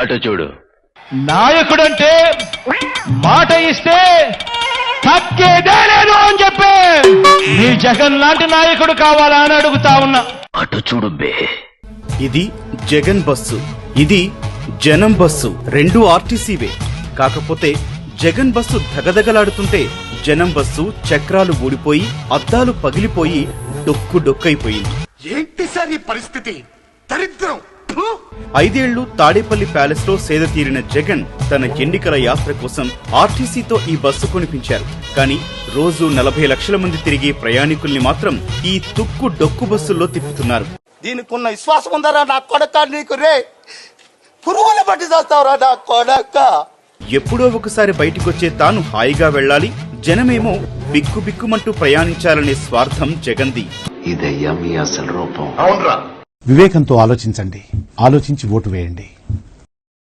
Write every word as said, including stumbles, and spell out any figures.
అటు చూడు. నాయకుడంటే మాట ఇస్తే తగ్గేదే లేదు అని చెప్పి మీ జగన్ లాంటి నాయకుడు కావాలా అని అడుగుతా ఉన్నా. అటు చూడు బే. ఇది జగన్ బస్సు, ఇది జనం బస్సు. రెండు ఆర్టీసీవే. కాకపోతే జగన్ బస్సు దగదగలాడుతుంటే జనం బస్సు చక్రాలు ఊడిపోయి అద్దాలు పగిలిపోయి డొక్కు డొక్కైపోయింది. ఏంటి సార్ ఈ పరిస్థితి? దరిద్రం. ఐదేళ్లు తాడేపల్లి ప్యాలెస్ లో సేద తీరిన జగన్ తన ఎన్నికల యాత్ర కోసం ఆర్టీసీతో ఈ బస్సు కొనిపించారు. కానీ రోజు నలభై లక్షల మంది తిరిగే ప్రయాణికుల్ని మాత్రం ఈ తుక్కు డొక్కు బస్సుల్లో తిప్పుతున్నారు. దీనికున్న విశ్వాసం ఉందరా నా కొడక? నీకు రే పురుగుల బట్టి చేస్తావురా నా కొడక. ఎప్పుడో ఒకసారి బయటికొచ్చే తాను హాయిగా వెళ్లాలి, జనమేమో బిక్కు బిక్కుమంటూ ప్రయాణించాలనే స్వార్థం జగన్ది. ఇదయ్యా మీ అసలు రూపం. అవునరా. వివేకంతో ఆలోచించండి, ఆలోచించి ఓటు వేయండి.